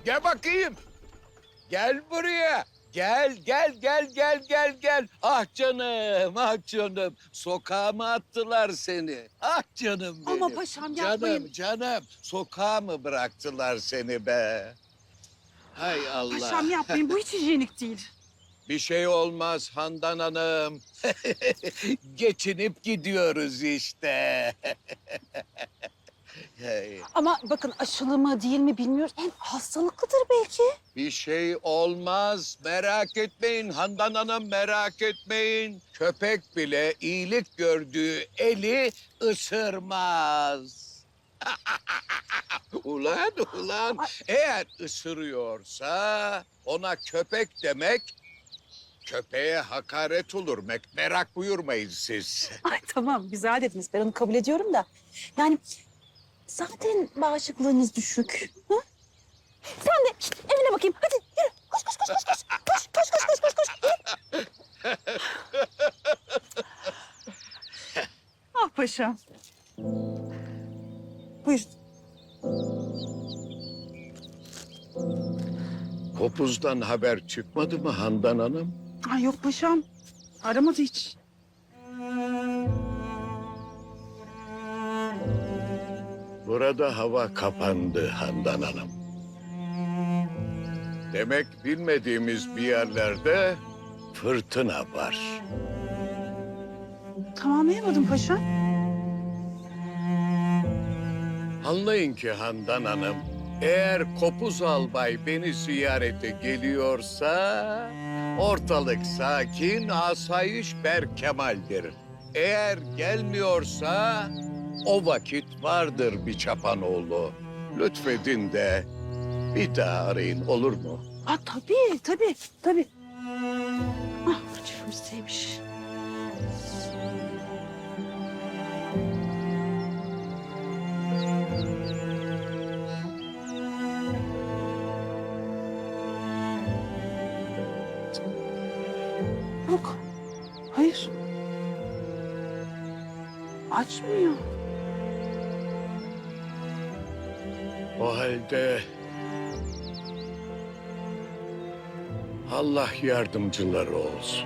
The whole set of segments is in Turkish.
Gel bakayım. Gel buraya. Gel. Ah canım, ah canım. Sokağa mı attılar seni? Ah canım benim. Ama paşam yapmayın. Canım. Sokağa mı bıraktılar seni be? Hay Allah. Paşam yapmayın, bu hiç hijyenik değil. Bir şey olmaz Handan Hanım. Geçinip gidiyoruz işte. Hey, Ama bakın aşılı mı değil mi bilmiyoruz. Hem hastalıklıdır belki. bir şey olmaz. Merak etmeyin Handan Hanım, merak etmeyin. Köpek bile iyilik gördüğü eli ısırmaz. Ulan. Eğer ısırıyorsa ona köpek demek köpeğe hakaret olur. Merak buyurmayın siz. Ay tamam, güzel dediniz. Ben onu kabul ediyorum da. Yani zaten bağışıklığınız düşük. Hı? Sen de şişt, evine bakayım. Hadi yürü. Koş. Yürü. Ah paşam. Buyurun. Kopuz'dan haber çıkmadı mı Handan Hanım? Ay yok paşam. Aramadı hiç. Burada hava kapandı Handan Hanım. Demek bilmediğimiz bir yerlerde fırtına var. Tamamlayamadım paşam. Anlayın ki Handan Hanım, eğer Kopuz Albay beni ziyarete geliyorsa ortalık sakin, asayiş berkemaldir. Eğer gelmiyorsa o vakit vardır bir çapanoğlu. Lütfedin de bir daha arayın olur mu? Ha tabii. Ah çiftimizdeymiş. Yok. Hayır. Açmıyor. O halde Allah yardımcıları olsun.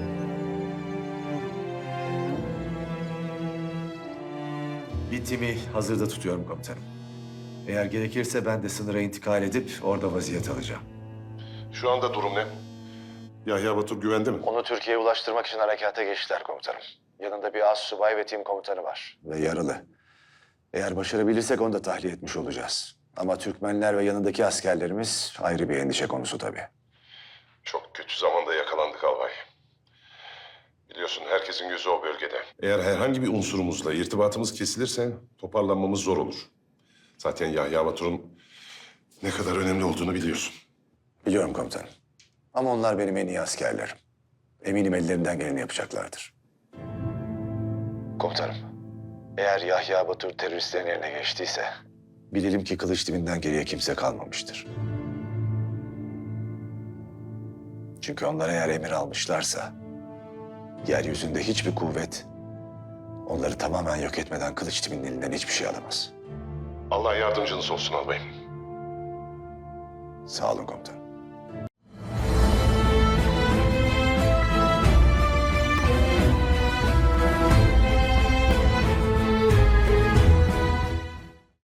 Bir timi hazırda tutuyorum komutanım. Eğer gerekirse ben de sınıra intikal edip orada vaziyet alacağım. Şu anda durum ne? Yahya Batur güvende mi? Onu Türkiye'ye ulaştırmak için harekata geçtiler komutanım. Yanında bir astsubay ve tim komutanı var. Ve yaralı. Eğer başarabilirsek onu da tahliye etmiş olacağız. Ama Türkmenler ve yanındaki askerlerimiz ayrı bir endişe konusu tabii. Çok kötü zamanda yakalandık albay. Biliyorsun herkesin gözü o bölgede. Eğer herhangi bir unsurumuzla irtibatımız kesilirse toparlanmamız zor olur. Zaten Yahya Batur'un ne kadar önemli olduğunu biliyorsun. Biliyorum komutanım. Ama onlar benim en iyi askerlerim. Eminim ellerinden geleni yapacaklardır. Komutanım, eğer Yahya Batur teröristlerin eline geçtiyse bilelim ki kılıç dibinden geriye kimse kalmamıştır. Çünkü onlar eğer emir almışlarsa yeryüzünde hiçbir kuvvet onları tamamen yok etmeden kılıç dibinin elinden hiçbir şey alamaz. Allah yardımcınız olsun albayım. Sağ olun komutanım.